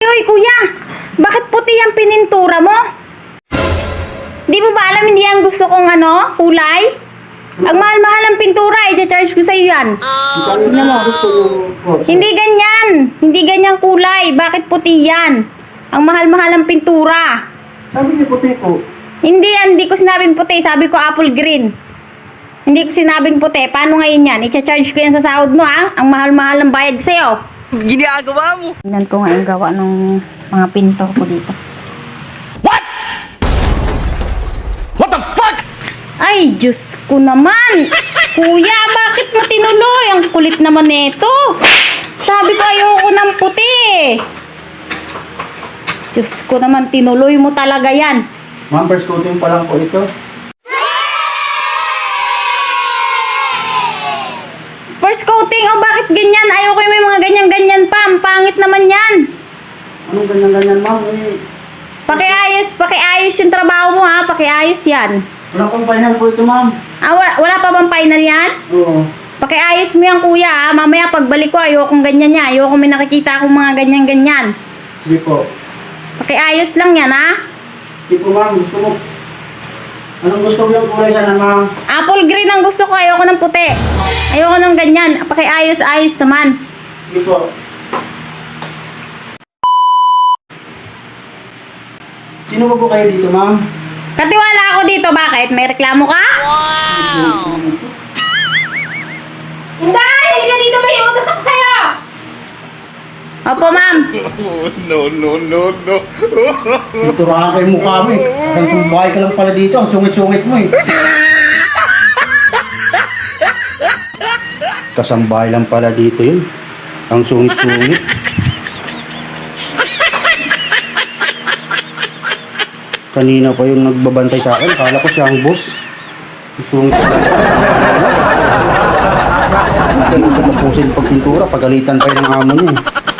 Hoy kuya, bakit puti ang pinintura mo? Di mo ba alam hindi ang gusto kong kulay? Ang mahal-mahal ang pintura, i-charge ko sa'yo yan. Kanina mo gusto mo. Hindi ganyan. Hindi ganyang kulay. Bakit puti yan? Ang mahal-mahal ang pintura. Sabi niyo puti po. Hindi yan. Hindi ko sinabing puti. Sabi ko apple green. Hindi ko sinabing puti. Paano ngayon yan? I-charge ko yan sa sahod mo, ha? Ang mahal-mahal ang bayad ko sa'yo. Ginagawa mo. Tingnan ko nga yung gawa ng mga pinto ko dito. What the fuck? Ay, Diyos ko naman! Kuya, bakit mo tinuloy? Ang kulit naman nito. Sabi ko ayoko ng puti. Diyos ko naman, tinuloy mo talaga yan. Ma'am, first coating pa lang po ito. First coating, oh bakit ganyan? Ayoko yung may mga ganyan-ganyan pa. Ang pangit naman yan. Anong ganyan-ganyan, ma'am? Pakiayos yung trabaho mo ha. Pakiayos yan. Wala pang final po ito, ma'am. Ah, wala pa bang final yan? Oo. Pakiayos mo yan kuya ha. Mamaya pagbalik ko, ayokong ganyan niya. Ayoko may nakikita akong mga ganyan-ganyan. Sige po. Pakiayos lang yan ha. Sige po, ma'am. Gusto mo. Anong gusto mo yung kulay sana, ma'am? Apple green ang gusto ko. Ayoko ng puti. Ayoko ng ganyan. Pakiayos-ayos naman. Sige po. Sino ba po kayo dito, ma'am? Katiwala ako dito. Bakit? May reklamo ka? Hindi! Halika dito. May utos ako sa'yo! Opo, ma'am. No. Tuturahan kayo mukha mo eh. Ang sumbahay ka lang pala dito. Ang sungit-sungit mo eh. Kasambahay lang pala dito yun. Ang sungit-sungit. Kanina pa yung nagbabantay sa akin. Kala ko siya ang boss. Ang sungit pa. Hindi ko tapusin pag pintura. Pagalitan pa yung amo niya eh.